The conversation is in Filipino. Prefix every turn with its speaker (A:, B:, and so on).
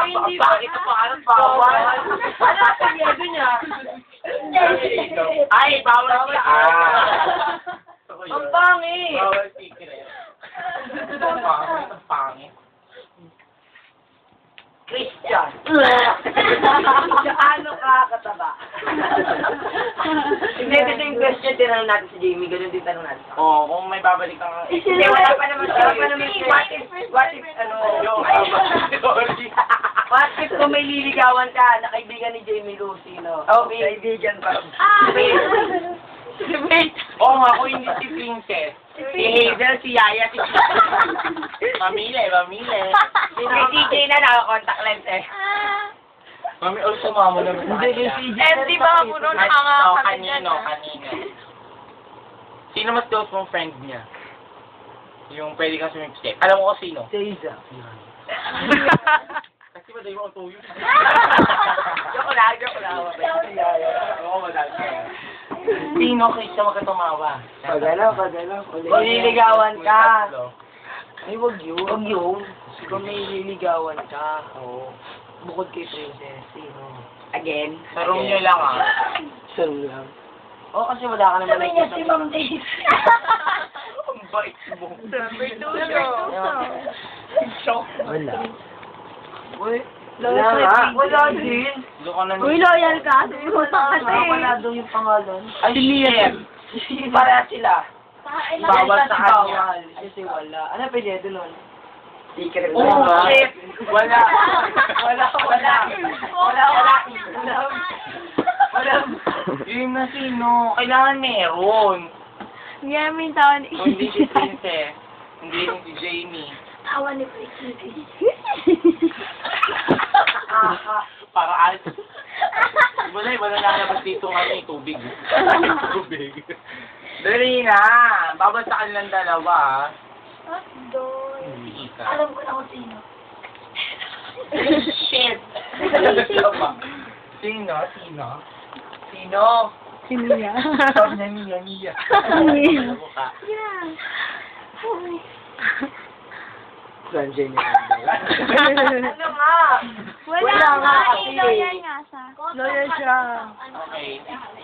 A: hindi ba?
B: Bakit ito pangalan? Bawal.
A: Ano ang apelyido niya?
B: Ay, bawal siya.
A: Ang pangit.
B: Bawal secret. Ang pangit.
A: Christian. Ano ka kataba? Hindi, ito yung question, tinanong natin si Jamie, ganun din tanong natin.
B: Oo, kung may babalik kang...
A: Hindi, wala pa naman siya. What if, ano, what if kung may liligawan ka, na kaibigan ni Jamie Lucy, no? Okay. Kaibigan pa.
B: Wait! Oo nga, kung hindi si Princess. Si Hazel, si Yaya, si Mamile.
A: Si TJ na naka-contact lens eh.
B: Mami, sumama naman.
A: Hindi, si
C: di ba puno nakakakabit
B: Kanino. Sino mas close mong friend niya? Yung pwede kang sumipsip. Alam mo ko sino?
A: Seiza.
B: Kasi ba dayo ang tuyo?
A: Joke lang.
B: Oo, madami. Sino kaysa magkatumawa?
A: Pagalaw. Kung liligawan ka.
B: Ay, wag yun.
A: Huwag yun. Kung may liligawan ka.
B: Oo.
A: Bukod kay Princess, sino? Again?
B: Sa room niyo lang ah.
A: Sarong lang. Oo, kasi wala ka naman nakikita.
C: si Ma'am Daisy.
B: Ang bait mo.
A: Wala.
C: Uy,
A: Wala din.
B: Doon ka na
C: Uy, loyal ka. Sabi mo sa kasi.
A: Wala daw yung pangalan.
B: Ay, shit!
A: Para sila.
B: Bawal sa kanya.
A: Bawal. Kasi wala. Ano pwede doon? Secret.
B: Oh, shit! Wala. Yun na sino. Kailangan meron.
C: Ngayon taon ni
B: Kung hindi si Princess, hindi rin si Jamie.
C: Tawa ni Princess.
B: Para alis. Iba na lalabas dito kami, tubig. Tubig. Dali na. Bawal sa kanilang dalawa.
C: Doon.
B: Ika.
C: Alam ko na kung sino.
B: Shit! Sino?
C: Sino niya?
B: Sabi niya, Mia. Mukha.
C: Yeah.
A: Sanjay niya.
C: Ano nga? Wala
A: Wala nga
C: nga.
A: kasi.
C: Loyal nga siya.
A: Loyal siya.
B: Okay.